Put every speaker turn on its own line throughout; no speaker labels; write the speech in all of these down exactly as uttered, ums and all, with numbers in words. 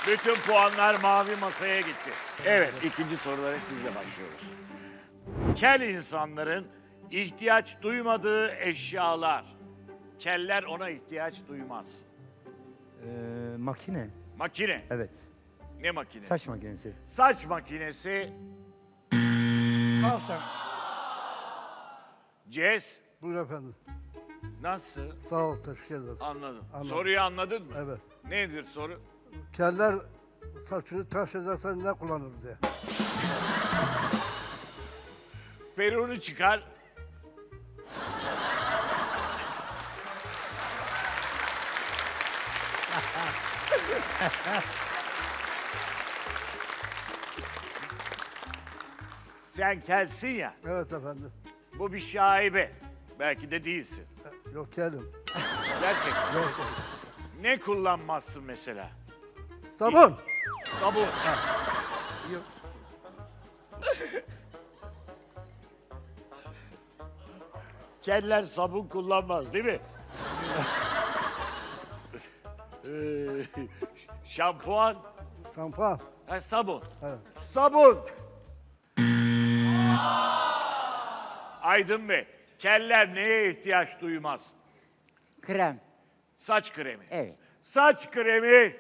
Bütün puanlar mavi masaya gitti. Evet, ikinci sorulara sizle başlıyoruz. Kel insanların ihtiyaç duymadığı eşyalar. Keller ona ihtiyaç duymaz.
Ee, makine.
Makine.
Evet.
Ne makinesi?
Saç makinesi.
Saç makinesi.
Al sen.
Cez.
Buyur efendim.
Nasıl?
Sağ ol, teşekkür ederim.
Anladım.
Anladım.
Soruyu anladın mı?
Evet.
Nedir soru?
Keller saçını tıraş edersen ne kullanır diye.
Peruğunu çıkar. Sen kelsin ya.
Evet efendim.
Bu bir şaibe. Belki de değilsin.
Yok kelim.
Gerçekten.
Yok.
Ne kullanmazsın mesela?
Sabun.
Sabun.
Yok.
Keller sabun kullanmaz değil mi? Ee, Şampuan.
Şampuan.
Ha, sabun.
Evet.
Sabun. Aydın Bey, keller neye ihtiyaç duymaz?
Krem.
Saç kremi.
Evet.
Saç kremi.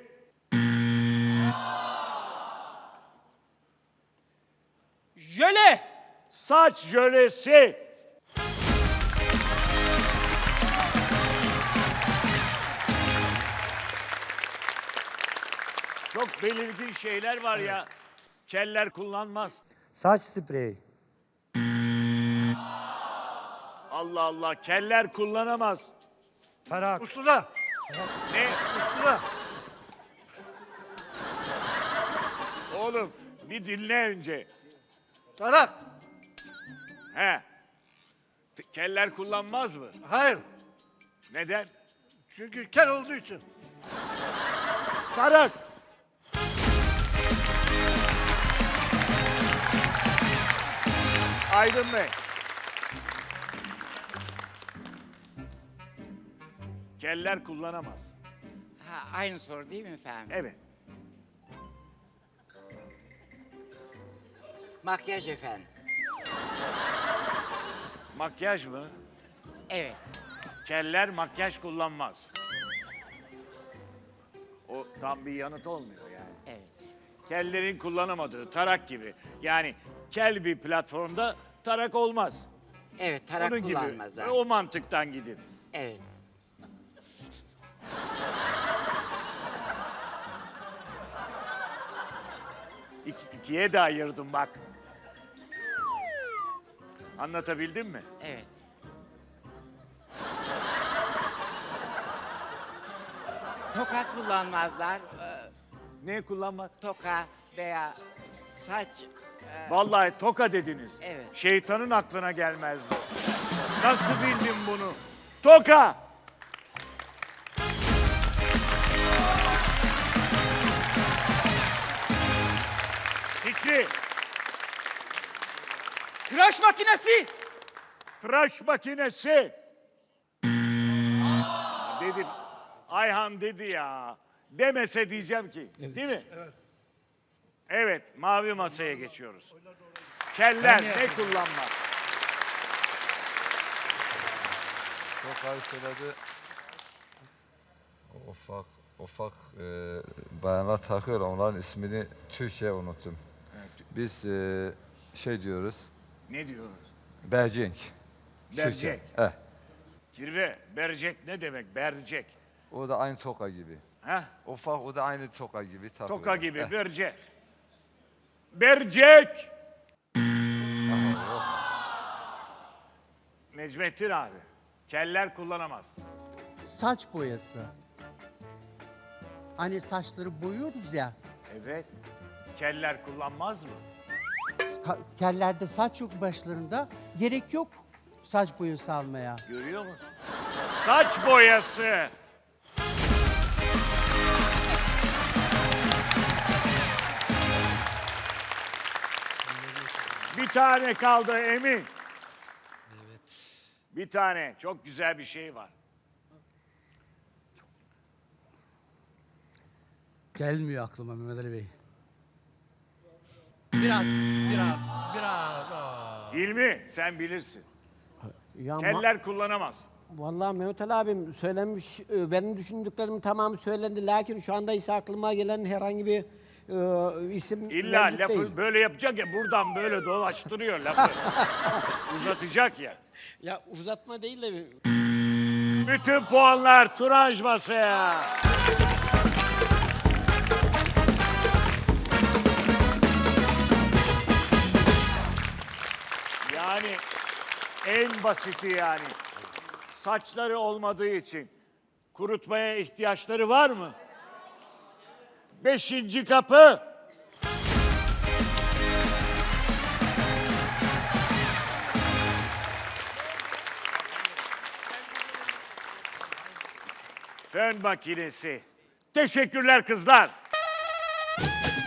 Jöle.
Saç jölesi. Çok belirgin şeyler var ya. Keller kullanmaz.
Saç spreyi.
Allah Allah, keller kullanamaz.
Tarak.
Ustura.
Ne?
Ustura.
Oğlum, bir dinle önce.
Tarak.
He. T- Keller kullanmaz mı?
Hayır.
Neden?
Çünkü kel olduğu için.
Tarak. Aydın Bey. Keller kullanamaz.
Ha, aynı soru değil mi efendim?
Evet.
Makyaj efendim.
Makyaj mı?
Evet.
Keller makyaj kullanmaz. O tam bir yanıt olmuyor yani.
Evet.
Kellerin kullanamadığı tarak gibi. Yani kel bir platformda tarak olmaz.
Evet, tarak
Onun gibi.
kullanmazlar.
O mantıktan gidin.
Evet.
İki, ikiye de ayırdım bak. Anlatabildim mi?
Evet. Toka kullanmazlar. Ee,
Ne kullanma?
Toka veya saç. e,
Vallahi toka dediniz.
Evet.
Şeytanın aklına gelmez bu. Nasıl bildin bunu? Toka! Fikri,
Tıraş makinesi.
tıraş makinesi. Dedim, Ayhan dedi ya. Demese diyeceğim ki, değil mi? Evet. Evet, mavi masaya geçiyoruz. Keller ne kullanmaz?
Çok abi söyledi. Ufak ufak e, bayanlar takıyor, onların ismini Türkçe unuttum. Biz e, şey diyoruz,
Ne diyoruz?
bercink.
Bercek.
Türkçe. Eh,
Kirve, bercek ne demek? Bercek.
o da aynı toka gibi.
Heh,
Ufak, o da aynı toka gibi takıyor.
toka gibi,
Eh,
bercek. Bercek! Necmettin abi, keller kullanamaz.
Saç boyası. Hani saçları boyuyoruz ya.
Evet, keller kullanmaz mı?
ka- Kellerde saç yok başlarında. Gerek yok saç boyası almaya.
Görüyor musun? Saç boyası! Bir tane kaldı Emin. Evet. Bir tane. Çok güzel bir şey var.
Gelmiyor aklıma Mehmet Ali Bey. Biraz, biraz, biraz. Aa.
Hilmi sen bilirsin.
Ya ma-
Keller kullanamaz.
Vallahi Mehmet Ali abim söylenmiş, e, benim düşündüklerimin tamamı söylendi. Lakin şu anda ise aklıma gelen herhangi bir e, isim
İlla
mevcut
lafı
değil.
böyle yapacak ya buradan böyle dolaştırıyor lafı. Uzatacak ya.
Ya uzatma değil de
Bütün puanlar Turanj masaya. Yani en basiti yani. Saçları olmadığı için kurutmaya ihtiyaçları var mı? Beşinci kapı. Fön makinesi. Teşekkürler kızlar.